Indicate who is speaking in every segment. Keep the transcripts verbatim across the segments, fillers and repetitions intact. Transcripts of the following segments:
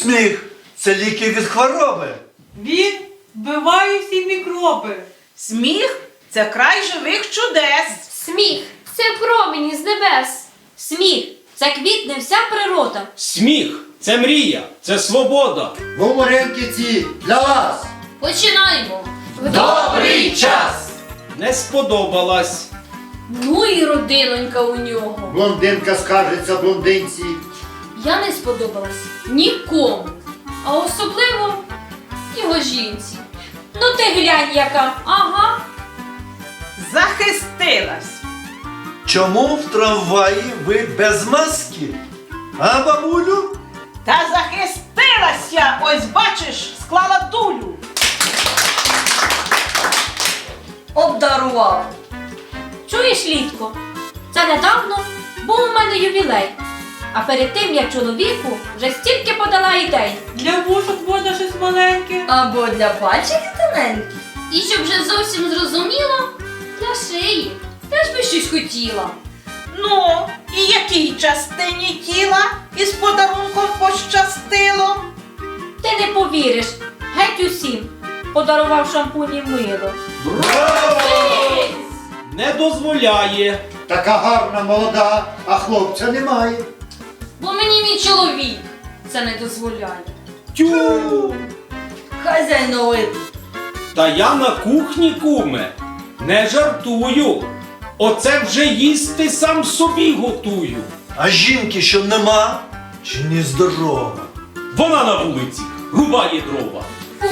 Speaker 1: Сміх – це ліки від хвороби.
Speaker 2: Він вбиває всі мікроби.
Speaker 3: Сміх – це край живих чудес.
Speaker 4: Сміх – це промені з небес. Сміх – це квітне вся природа.
Speaker 5: Сміх – це мрія, це свобода.
Speaker 6: Говоренки ці для вас.
Speaker 4: Починаємо.
Speaker 6: Добрий час!
Speaker 5: Не сподобалась.
Speaker 4: Ну і родинонька у нього.
Speaker 6: Блондинка скаржиться блондинці.
Speaker 4: Я не сподобалась нікому. А особливо його жінці. Ну ти глянь яка. Ага.
Speaker 3: Захистилась.
Speaker 1: Чому в трамваї ви без маски? А, бабулю?
Speaker 3: Та захистилась я, ось бачиш, склала дулю.
Speaker 4: Обдарував. Чуєш, Літко? Це недавно був у мене ювілей. А перед тим я чоловіку вже стільки подала ідей.
Speaker 2: Для вушок можна щось маленьке.
Speaker 4: Або для пальчиків тоненьких. І щоб вже зовсім зрозуміло, для шиї. Теж би щось хотіла.
Speaker 3: Ну, і якій частині тіла із подарунком пощастило?
Speaker 4: Ти не повіриш, геть усім подарував шампунь і мило.
Speaker 5: Не дозволяє.
Speaker 6: Така гарна, молода, а хлопця немає.
Speaker 4: Бо мені мій чоловік це не дозволяє.
Speaker 5: Тю!
Speaker 4: Хазяйновит.
Speaker 5: Та я на кухні, куме. Не жартую. Оце вже їсти сам собі готую.
Speaker 1: А жінки, що нема, чи не здорова?
Speaker 5: Вона на вулиці рубає дрова.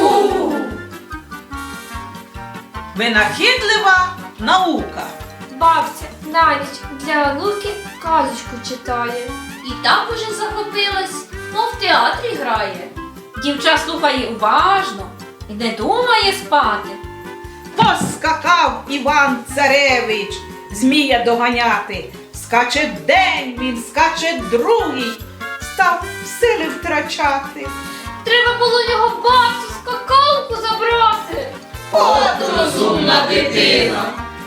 Speaker 3: Винахідлива наука.
Speaker 4: Бабця навіть для онуки казочку читає. І так уже захопилась, мов в театрі грає. Дівча слухає уважно і не думає спати.
Speaker 3: Поскакав Іван Царевич змія доганяти. Скаче день він, скаче другий, став сили втрачати.
Speaker 4: Треба було його бабцю скакалку забрати.
Speaker 3: От
Speaker 4: розумна дитина.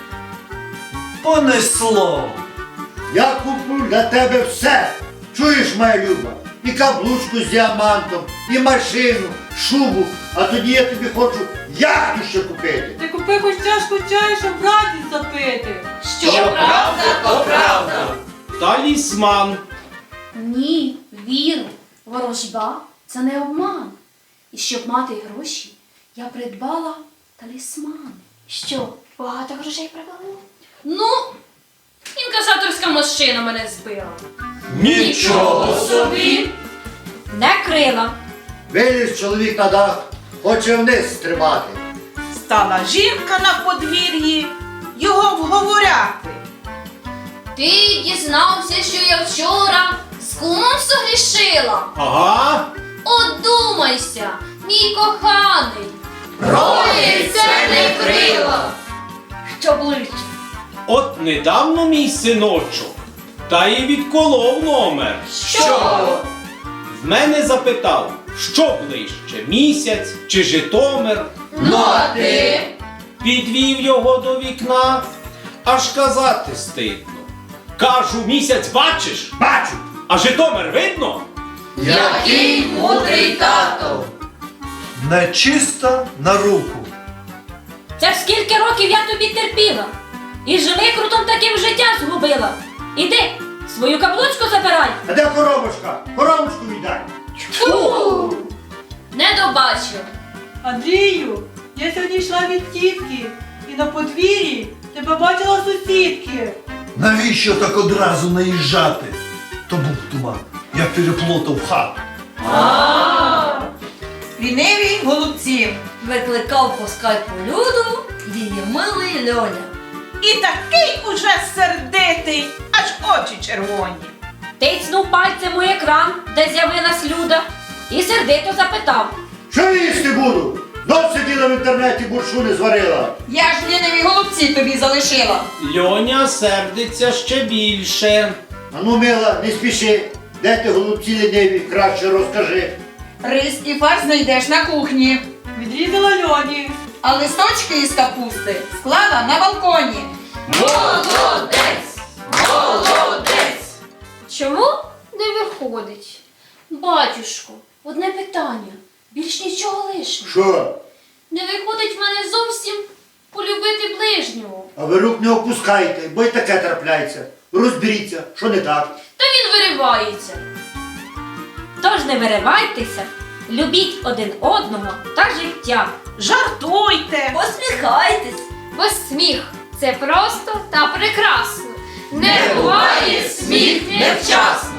Speaker 1: Понесло.
Speaker 6: Я куплю для тебе все. Чуєш, моя люба? І каблучку з діамантом, і машину, шубу. А тоді я тобі хочу яхту ще купити.
Speaker 2: Ти купи хоч чашку чаю, щоб радість запити.
Speaker 4: Що правда, то правда.
Speaker 5: Талісман.
Speaker 4: Ні, віру, ворожба – це не обман. І щоб мати гроші, я придбала талісман. Що, багато грошей привело? Ну, інкасаторська машина мене збила.
Speaker 1: Нічого
Speaker 4: собі! Не крила.
Speaker 6: Виліз чоловік на дах, хоче вниз стрибати.
Speaker 3: стала жінка на подвір'ї його вговоряти.
Speaker 4: Ти дізнався, що я вчора з кумом согрішила?
Speaker 5: Ага.
Speaker 4: Одумайся, мій коханий. Ролі це не крила. Що ближче?
Speaker 5: От недавно мій синочок, та й відколов номер.
Speaker 4: Що?
Speaker 5: В мене запитав, що ближче, місяць чи Житомир.
Speaker 4: Ну а ти?
Speaker 5: Підвів його до вікна, аж казати стидно. Кажу, місяць бачиш?
Speaker 6: Бачу!
Speaker 5: А Житомир видно?
Speaker 4: Який мудрий тато.
Speaker 1: Нечиста на руку.
Speaker 4: Це ж скільки років я тобі терпіла. І жмикрутом таким життя згубила. Іди, свою каблучку забирай.
Speaker 6: А де коробочка? Коробочку віддай.
Speaker 4: Фу! Не добачив.
Speaker 2: Андрію, я сьогодні йшла від тітки і на подвір'ї тебе бачила сусідки.
Speaker 1: Навіщо так одразу наїжджати? То був туман. Я переплутав хату.
Speaker 3: Ліниві голубці.
Speaker 4: Викликав по скайпу Люду її милий Льоня.
Speaker 3: І такий уже сердитий, аж очі червоні.
Speaker 4: Тицнув пальцем у екран, де з'явилась Люда, і сердито запитав.
Speaker 6: Що їсти буду? Знов сиділа в інтернеті, буршу не зварила.
Speaker 7: Я ж ліниві голубці тобі залишила.
Speaker 5: Льоня сердиться ще більше.
Speaker 6: А ну, мила, не спіши. Де ти голубці ліниві? Краще розкажи.
Speaker 7: Рис і фарш знайдеш на кухні.
Speaker 2: Відрізала Льоні.
Speaker 7: А листочки із капусти склала на балконі.
Speaker 4: Молодець! Молодець! Чому не виходить? Батюшко, Одне питання, більш нічого лишнього.
Speaker 6: Що?
Speaker 4: Не виходить в мене зовсім полюбити ближнього.
Speaker 6: А ви рук не опускайте, бо й таке трапляється. Розберіться, що не так.
Speaker 4: Та він виривається.
Speaker 8: Тож не виривайтеся, любіть один одного та життя.
Speaker 3: Жартуйте.
Speaker 8: Посміхайтесь.
Speaker 4: Бо сміх – це просто та прекрасно.
Speaker 8: Не буває сміх невчасно.